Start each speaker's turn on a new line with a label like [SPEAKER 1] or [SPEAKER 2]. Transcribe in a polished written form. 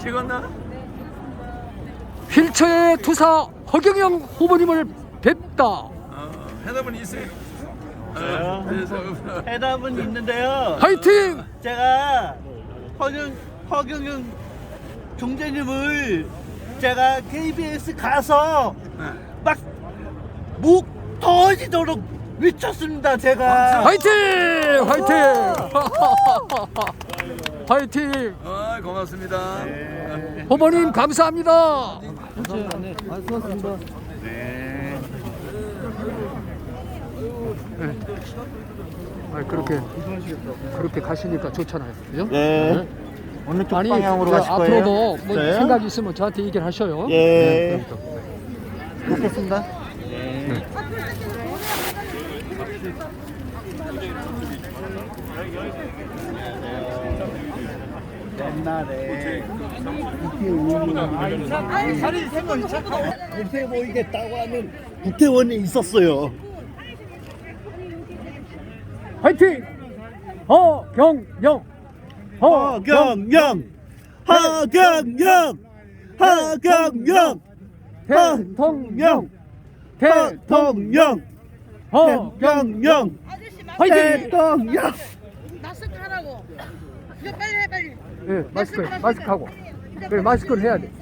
[SPEAKER 1] 찍었나?
[SPEAKER 2] 휠체어의 투사 허경영 후보님을 뵙다.
[SPEAKER 1] 해답은 있어요.
[SPEAKER 3] 해답은 있는데요.
[SPEAKER 2] 화이팅!
[SPEAKER 3] 제가 허경영 총재님을 제가 KBS 가서 막 목 터지도록 외쳤습니다. 제가.
[SPEAKER 2] 화이팅! 화이팅! 화이팅!
[SPEAKER 1] 고맙습니다.
[SPEAKER 2] 후보님 감사합니다. 그렇게 가시니까 좋잖아요. 그죠?
[SPEAKER 3] 네. 어느 쪽 방향으로
[SPEAKER 2] 저
[SPEAKER 3] 가실 거예요?
[SPEAKER 2] 앞으로도 뭐
[SPEAKER 3] 네.
[SPEAKER 2] 생각이 있으면 저한테 얘기를 하셔요.
[SPEAKER 3] 예.
[SPEAKER 2] 그러니까.
[SPEAKER 3] 먹겠습니다. 옛날에 못해 보이겠다고 하는 국회의원이 있었어요.
[SPEAKER 2] 화이팅! 허경영!
[SPEAKER 3] 허경영, 허경영, 허경영,
[SPEAKER 2] 대통령!
[SPEAKER 3] 대통령,
[SPEAKER 2] 허경영! 화이팅!
[SPEAKER 3] 대통령.
[SPEAKER 4] 마스크 하라고. 이거 빨리 해 빨리.
[SPEAKER 2] 예, 마스크 하고. 그래, 마스크를 해야 돼.